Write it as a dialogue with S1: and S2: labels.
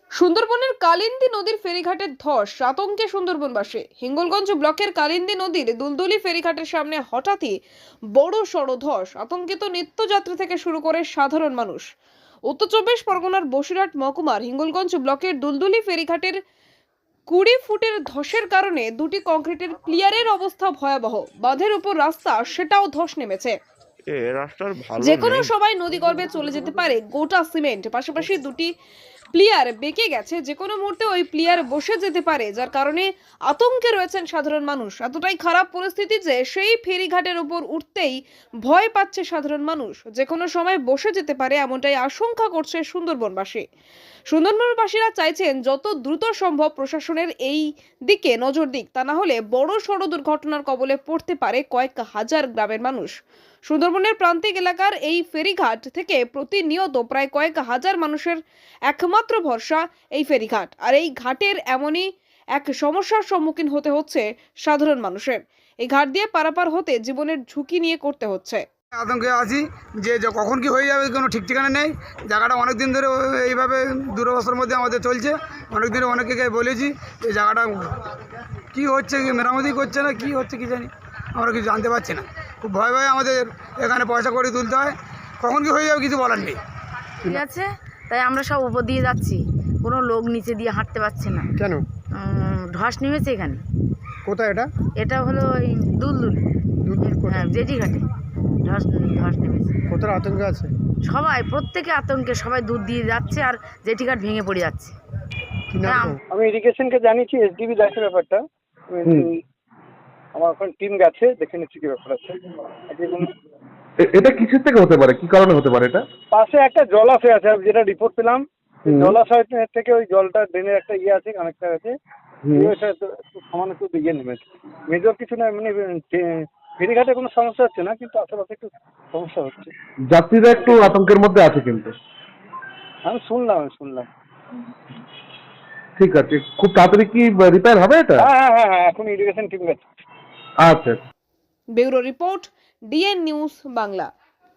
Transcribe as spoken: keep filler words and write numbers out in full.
S1: সুন্দরবনের কালিন্দী নদীর ফেরিঘাটের ধস আতঙ্কে সুন্দরবনবাসী। হিঙ্গলগঞ্জ ব্লকের কালিন্দী নদীর দুলদুলি ফেরিঘাটের সামনে হঠাৎই বড় সড় ধস, আতঙ্কিত নিত্যযাত্রী থেকে শুরু করে সাধারণ মানুষ। উত্তর চব্বিশ পরগনার বসিরহাট মহকুমার হিঙ্গলগঞ্জ ব্লকের দুলদুলি ফেরিঘাটের কুড়ি ফুটের ধসের কারণে দুটি কংক্রিটের প্লিয়ারের অবস্থা ভয়াবহ। বাঁধের উপর রাস্তা, সেটাও ধস নেমেছে।
S2: এ রাস্তার ভালো
S1: যে কোনো
S2: নেই।
S1: সময় নদীগর্ভে চলে যেতে পারে গোটা সিমেন্ট। পাশাপাশি দুটি প্লিয়ার বেঁকে গেছে, যে কোনো মুহূর্তে ওই প্লিয়ার বসে যেতে পারে, যার কারণে আতঙ্কে রয়েছেন সাধারণ মানুষ। এতটাই খারাপ পরিস্থিতি যে সেই ফেরিঘাটের উপর উঠতেই ভয় পাচ্ছে সাধারণ মানুষ। যে কোনো সময় বসে যেতে পারে এমনটাই আশঙ্কা করছে সুন্দরবনবাসী। সুন্দরবনবাসীরা চাইছেন যত দ্রুত সম্ভব প্রশাসনের এই দিকে নজর দিক, তা না হলে বড় সড় দুর্ঘটনার কবলে পড়তে পারে কয়েক হাজার গ্রামের মানুষ। সুন্দরবনের প্রান্তিক এলাকার এই ফেরিঘাট থেকে প্রতিনিয়ত প্রায় কয়েক হাজার মানুষের একমাত্র ভরসা এই ফেরিঘাট, আর এই ঘাটের এমনই এক সমস্যার সম্মুখীন হতে হচ্ছে সাধারণ মানুষের। এই ঘাট দিয়ে পারাপার হতে জীবনের ঝুঁকি নিয়ে করতে হচ্ছে।
S3: আতঙ্কে আছি যে যে কখন কি হয়ে যাবে কোনো ঠিক ঠিকানা নেই। জায়গাটা অনেক দিন ধরে এইভাবে দুরবস্থার মধ্যে আমাদের চলছে। অনেক দিন অনেকে বলেছি এই জায়গাটা কি হচ্ছে, কি মেরামতি করছে না, কি হচ্ছে কি জানি, আমরা কিছু জানতে পারছি না। খুব ভয় ভয় আমাদের এখানে পয়সা করে তুলতে হয়, কখন কি হয়ে যাবে কিছু বলার নেই।
S4: ঠিক আছে, তাই আমরা সব উপর দিয়ে যাচ্ছি, কোনো লোক নিচে দিয়ে হাঁটতে পারছে না।
S5: কেন?
S4: উম, ধস নেমেছে এখানে।
S5: কোথায় এটা?
S4: এটা হলো ওই দুলদুল,
S5: দুলদুল কোথায়?
S4: হ্যাঁ, জেটি ঘাটে ধস ধস নেমেছে।
S5: কোথায় আতঙ্ক আছে?
S4: সবাই প্রত্যেকে আতঙ্কে, সবাই দুধ দিয়ে যাচ্ছে আর জেটি ঘাট ভেঙে পড়ে যাচ্ছে।
S5: কি নাম
S4: নাম?
S5: তোমার?
S6: আমি ইরিগেশনকে জানিয়েছি, এসডিবি দেখে ব্যাপারটা।
S5: হুম।
S6: আমার এখন টিম গেছে, দেখে নিচ্ছি কি ব্যাপার আছে। আপনি কোনো-
S7: এ- এটা কিসের থেকে হতে পারে, কি কারণে হতে পারে এটা?
S6: পাশে একটা জলাশয় আছে, আমি যেটা রিপোর্ট পেলাম,
S7: হুম।
S6: জলাশয় থেকে ওই জলটা ড্রেনের একটা ইয়ে আছে, কানেক্টার আছে,
S7: হুম।
S6: ওই ওইটা একটু একটু সামান্য একটু ইয়ে নেমেছে। মেজর কিছু না, মানে ফে- ফেরিঘাটে কোনো সমস্যা হচ্ছে না, কিন্তু আশেপাশে একটু সমস্যা হচ্ছে।
S7: যাত্রীরা একটু আতঙ্কের মধ্যে আছে কিন্তু।
S6: আমি শুনলাম আমি শুনলাম
S7: ঠিক আছে, খুব তাড়াতাড়ি কি রিপেয়ার হবে এটা?
S6: হ্যাঁ হ্যাঁ হ্যাঁ হ্যাঁ এখন ইরিগেশন টিম গেছে।
S7: আচ্ছা।
S1: Bureau report, DN news Bangla.